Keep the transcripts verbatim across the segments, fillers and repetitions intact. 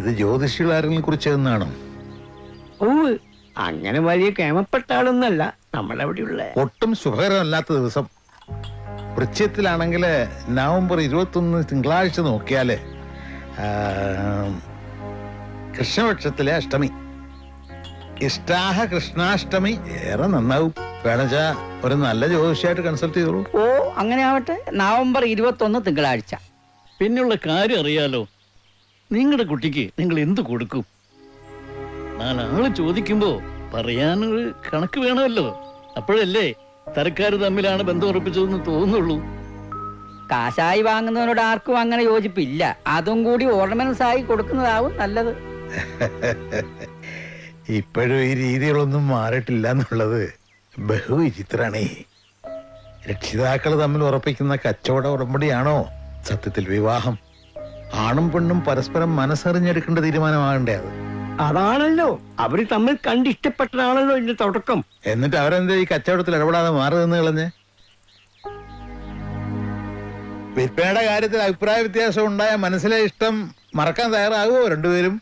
ഇത് ജ്യോതിഷികൾ ആരെങ്കിലും കുറിച്ച് എന്നാണോ? ഓ, അങ്ങനെ വലിയ കേമപ്പെട്ട ആളൊന്നല്ല നമ്മളവിടെയുള്ള. ഒട്ടും ശുഭകരമല്ലാത്ത ദിവസം വൃശ്ചികത്തിലാണെങ്കിൽ നവംബർ ഇരുപത്തി ഒന്ന് തിങ്കളാഴ്ച നോക്കിയാല് കൃഷ്ണപക്ഷത്തിലെ അഷ്ടമി. ഇഷ്ടാഹ കൃഷ്ണാഷ്ടമി ഏറെ നന്നാവും. വേണച്ചാ ഒരു നല്ല ജ്യോതിഷിയായിട്ട് കൺസൾട്ട് ചെയ്തോളൂ. ഓ, അങ്ങനെ ആവട്ടെ. നവംബർ ഇരുപത്തി ഒന്ന് തിങ്കളാഴ്ച. പിന്നെയുള്ള കാര്യം അറിയാലോ, നിങ്ങളുടെ കുട്ടിക്ക് നിങ്ങൾ എന്ത് കൊടുക്കും? നാലാള് ചോദിക്കുമ്പോ പറയാനൊരു കണക്ക് വേണമല്ലോ. അപ്പോഴല്ലേ തരക്കാര് തമ്മിലാണ് ബന്ധം ഉറപ്പിച്ചതെന്ന് തോന്നുള്ളൂ. കാശായി വാങ്ങുന്നവരോട് ആർക്കും അങ്ങനെ യോജിപ്പില്ല. അതും കൂടി ഓർണമെന്റ്സ് ആയി കൊടുക്കുന്നതാവും നല്ലത്. ഇപ്പോഴും ഈ രീതികളൊന്നും മാറിയിട്ടില്ല എന്നുള്ളത് ബഹുവിചിത്രാണേ. രക്ഷിതാക്കൾ തമ്മിൽ ഉറപ്പിക്കുന്ന കച്ചവട ഉടമ്പടിയാണോ സത്യത്തിൽ വിവാഹം? ആണും പെണ്ണും പരസ്പരം മനസ്സറിഞ്ഞെടുക്കേണ്ട തീരുമാനമാകണ്ടേ അത്? അതാണല്ലോ അവര് തമ്മിൽ കണ്ടിഷ്ടപ്പെട്ടതാണല്ലോ ഇതിന്റെ തുടക്കം. എന്നിട്ട് അവരെന്താ ഈ കച്ചവടത്തിൽ ഇടപെടാതെ മാറി നിന്ന് കളഞ്ഞ്? വിൽപ്പനയുടെ കാര്യത്തിൽ അഭിപ്രായ വ്യത്യാസം ഉണ്ടായ മനസ്സിലെ ഇഷ്ടം മറക്കാൻ തയ്യാറാകുമോ രണ്ടുപേരും?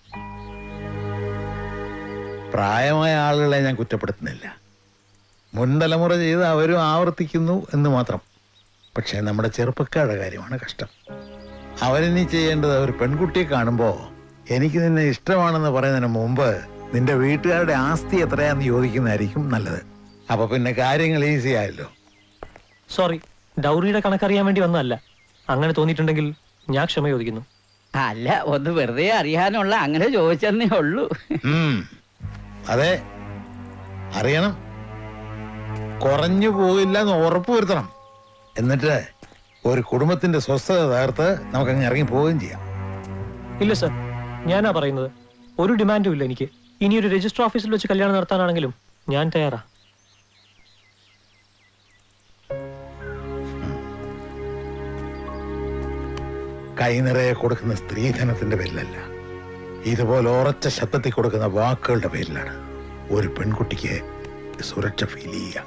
പ്രായമായ ആളുകളെ ഞാൻ കുറ്റപ്പെടുത്തുന്നില്ല. മുൻതലമുറ ചെയ്ത് അവരും ആവർത്തിക്കുന്നു എന്ന് മാത്രം. പക്ഷെ നമ്മുടെ ചെറുപ്പക്കാരുടെ കാര്യമാണ് കഷ്ടം. അവരിനി ചെയ്യേണ്ടത് ഒരു പെൺകുട്ടിയെ കാണുമ്പോ എനിക്ക് നിന്നെ ഇഷ്ടമാണെന്ന് പറയുന്നതിന് മുമ്പ് നിന്റെ വീട്ടുകാരുടെ ആസ്തി എത്രയാന്ന് ചോദിക്കുന്നതായിരിക്കും നല്ലത്. അപ്പൊ പിന്നെ കാര്യങ്ങൾ ഈസി ആയല്ലോ. സോറി, ഡൗറിയുടെ കണക്കറിയാൻ വേണ്ടി വന്നതല്ല. അങ്ങനെ തോന്നിയിട്ടുണ്ടെങ്കിൽ ഞാൻ ക്ഷമ ചോദിക്കുന്നു. അല്ല, ഒന്ന് വെറുതെ അറിയാനുള്ള അങ്ങനെ ചോദിച്ചെന്നേ ഉള്ളൂ. അതെ, അറിയണം. കുറഞ്ഞു പോയില്ല എന്ന് ഉറപ്പ് വരുത്തണം. എന്നിട്ട് ഒരു കുടുംബത്തിന്റെ സ്വസ്ഥത തകർത്ത് നമുക്കങ്ങ് ഇറങ്ങി പോവുകയും ചെയ്യാം. ഇല്ല സർ, ഞാനാ പറയുന്നത്. ഒരു ഡിമാൻഡും ഇല്ല എനിക്ക്. ഇനി ഒരു രജിസ്റ്റർ ഓഫീസിൽ വെച്ച് കല്യാണം നടത്താനാണെങ്കിലും ഞാൻ തയ്യാറാ. കൈ നിറയെ കൊടുക്കുന്ന സ്ത്രീധനത്തിന്റെ പേരിലല്ല, ഇതുപോലെ ഉറച്ച ശബ്ദത്തിൽ കൊടുക്കുന്ന വാക്കുകളുടെ പേരിലാണ് ഒരു പെൺകുട്ടിക്ക് സുരക്ഷ ഫീൽ ചെയ്യുക.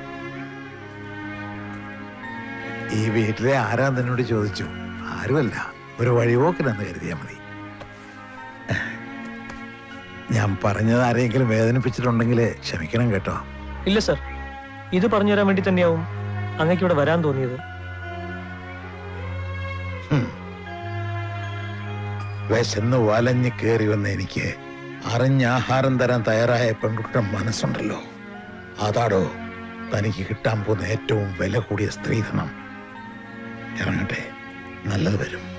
ഈ വീട്ടിലെ ആരാ നിന്നോട് ചോദിച്ചു? ആരുമല്ല, ഒരു വഴിപോക്കനെന്ന് കരുതിയാൽ മതി. ഞാൻ പറഞ്ഞത് ആരെങ്കിലും വേദനിപ്പിച്ചിട്ടുണ്ടെങ്കിൽ ക്ഷമിക്കണം കേട്ടോ. ഇല്ല സർ, ഇത് പറഞ്ഞു തരാൻ വേണ്ടി തന്നെയാവും അങ്ങേക്ക് ഇവിടെ വരാൻ തോന്നിയത്. വിശന്ന് വലഞ്ഞ് കയറി വന്ന എനിക്ക് അറിഞ്ഞ ആഹാരം തരാൻ തയ്യാറായ പെൺകുട്ടിയുടെ മനസ്സുണ്ടല്ലോ, അതാടോ തനിക്ക് കിട്ടാൻ പോകുന്ന ഏറ്റവും വില കൂടിയ സ്ത്രീധനം. ഇറങ്ങട്ടെ, നല്ലത് വരും.